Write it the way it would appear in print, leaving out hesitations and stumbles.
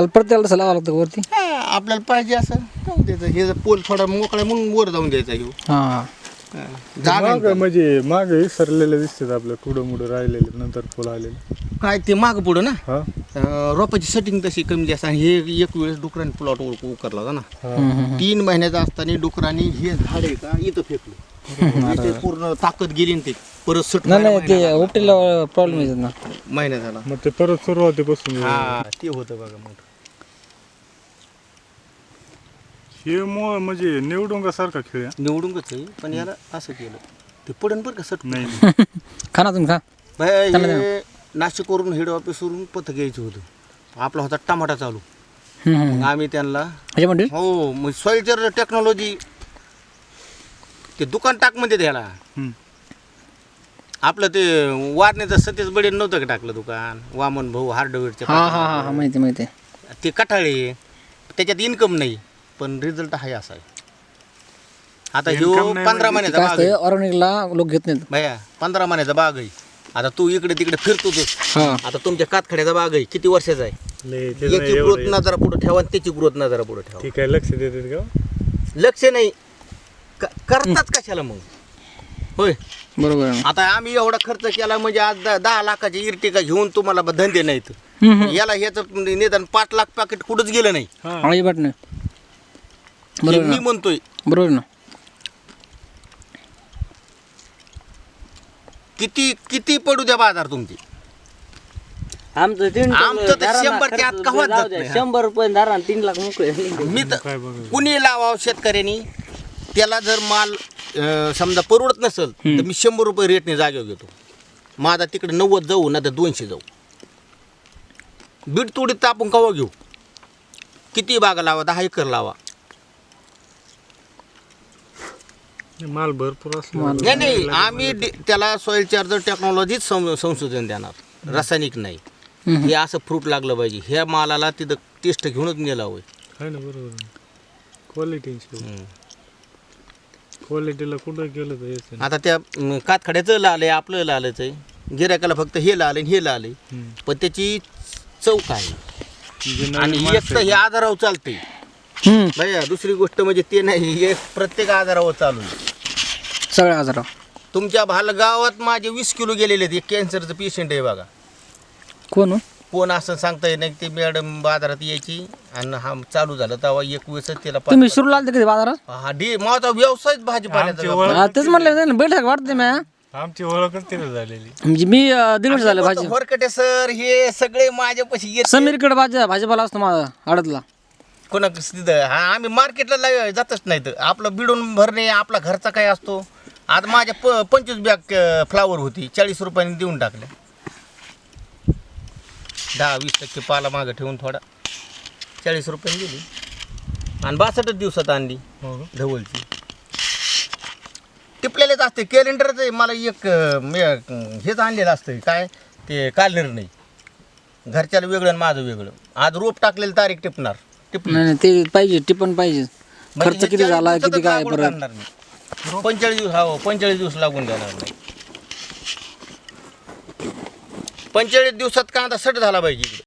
त्याला प्रत्येकाला तसं लावावं लागतं वरती. आपल्याला पाहिजे असं जाऊन द्यायचं. हे जर पोल थोडा मोकळा म्हणून वर जाऊन द्यायचा घेऊ. हां माग म्हणजे माग विसरलेले दिसतात आपल्या कुडं मुडं राहिलेले नंतर फुल आलेले. काय ते माग पुढं ना हा रोपाची सेटिंग तशी कमी जास्त. आणि हे एक वेळेस डुकराने प्लॉट उकरला होता ना 3 महिन्याचा असताना डुकरांनी हे झाड आहे का इथं फेकलं. इथे पूर्ण ताकद गेली ना ते परत सुट नाही ते उपटेला प्रॉब्लेम येतात ना. महिना झाला. मग ते परत सुरुवातीपासून हा ते होतं बघा मोठं. हे म्हणजे निवडुंगासारखा खेळ आहे. निवडूनच आहे पण याला असं केलं ते पडन बरं का सट नाही खा ना तुम्ही खा. हे नाशिकवरून हेड ऑफिसवरून पथक घ्यायचं होतं. आपला होता टमाटा चालू. मग आम्ही त्यांना म्हणजे हो मग सॉइलचर टेक्नॉलॉजी ते दुकान टाक म्हणजे त्याला आपलं ते वारण्याचं सतीश बडे नव्हतं का टाकलं दुकान वामन भाऊ हार्डवेअरचे. हां हां हां माहिती ते कठाळे त्याच्यात इन्कम नाही पण रिझल्ट आहे असा आहे. आता ह्यो 15 महिन्याचा काय बाग आहे. असतं ऑर्गॅनिकला लोक घेत नाहीत. भैया 15 महिन्याचा बाग आहे. आता तू इकडे तिकडे फिरतो तू. हां आता तुमच्या कातखड्याचा बाग आहे किती वर्षाचा आहे. याची ग्रोथ ना जरा पुढे ठेवा आणि त्याची ग्रोथ ना जरा पुढे ठेवा. ठीक आहे लक्ष देतात का लक्ष नाही करतात कशाला मग होय. बरोबर आहे. आता आम्ही एवढा खर्च केला म्हणजे आज 10 लाखाची इर्टिका घेऊन तुम्हाला धंदे नाहीत. याला ह्याचं निदान 5 लाख पॅकेट कुठंच गेलं नाही. अजिबात नाही. हे बरोबर मी ना म्हणतोय. बरोबर ना. किती पडू द्या बाजार तुमची. आमचं आमचं तर 100च्या आत कव्हाच जात नाही. 100 रुपये धरा 3 लाख मोकळे. मी तर कुणी लावावं शेतकऱ्यांनी त्याला जर माल समजा परवडत नसेल तर मी 100 रुपये रेटने जागेवर घेतो. माझा तिकडे 90 जाऊ ना तर 200 जाऊ. बीट तोडीत तर आपण कवा घेऊ. किती बागा लावा 10 एकर लावा. माल भरपूर असला नाही आम्ही त्याला सॉइल चार्जर टेक्नॉलॉजीच संशोधन देणार रासायनिक नाही. हे असं फ्रूट लागलं पाहिजे. ह्या मालाला तिथं टेस्ट घेऊनच नेला होय. आहे ना बरोबर क्वालिटी क्वालिटीला कुठं गेलं तर येत आता त्या कातखड्याचं लाल आहे आपलं लालच आहे. गिरायकाला फक्त हे लाल आहे हे लाल आहे पण त्याची चव काय आणि एक तर हे आजारावर चालते भैया. दुसरी गोष्ट म्हणजे ते नाही हे प्रत्येक आजारावर चालू आहे. सगळ्या आजार तुमच्या भालगावात माझे 20 किलो गेलेले आहेत. एक कॅन्सरचं पेशंट आहे बघा. कोण कोण असं सांगता येत नाही. ते मॅडम बाजारात यायची आणि हा चालू झालं तेव्हा एक वेळेसच तिला तुम्ही सुरू लागते कधी बाजारात. हा माझा व्यवसायच भाजीपाल्याचा. तेच म्हणलं बैठक वाटते मी. आमची ओळखच तिथे झालेली. म्हणजे मी 1.5 वर्ष झालं भाजी वरकटे सर हे सगळे माझ्यापाशी येत. समीरकडे भाजीपाला असतो माझा आडतला. कोणा तिथं हा आम्ही मार्केटला जातच नाहीत. आपलं बिडून भरणे आपला घरचा काय असतो. आज माझ्या 25 बॅग फ्लावर होती 40 रुपयांनी देऊन टाकल्या. 10-20% पाला मागं ठेवून थोडा 40 रुपयांनी दिली आणि 62 दिवसात आणली ढवळची. टिपलेलेच असते कॅलेंडरच. मला एक हेच आणलेलं असतं काय ते कालनेर नाही. घरच्याला वेगळं आणि माझं वेगळं. आज रोप टाकलेलं तारीख टिपणार. नाही ते पाहिजे टिपण पाहिजे. खर्च किती झाला किती काय परत 45 दिवस. हो 45 दिवस लागून जाणार नाही. 45 दिवसात कांदा सट झाला पाहिजे.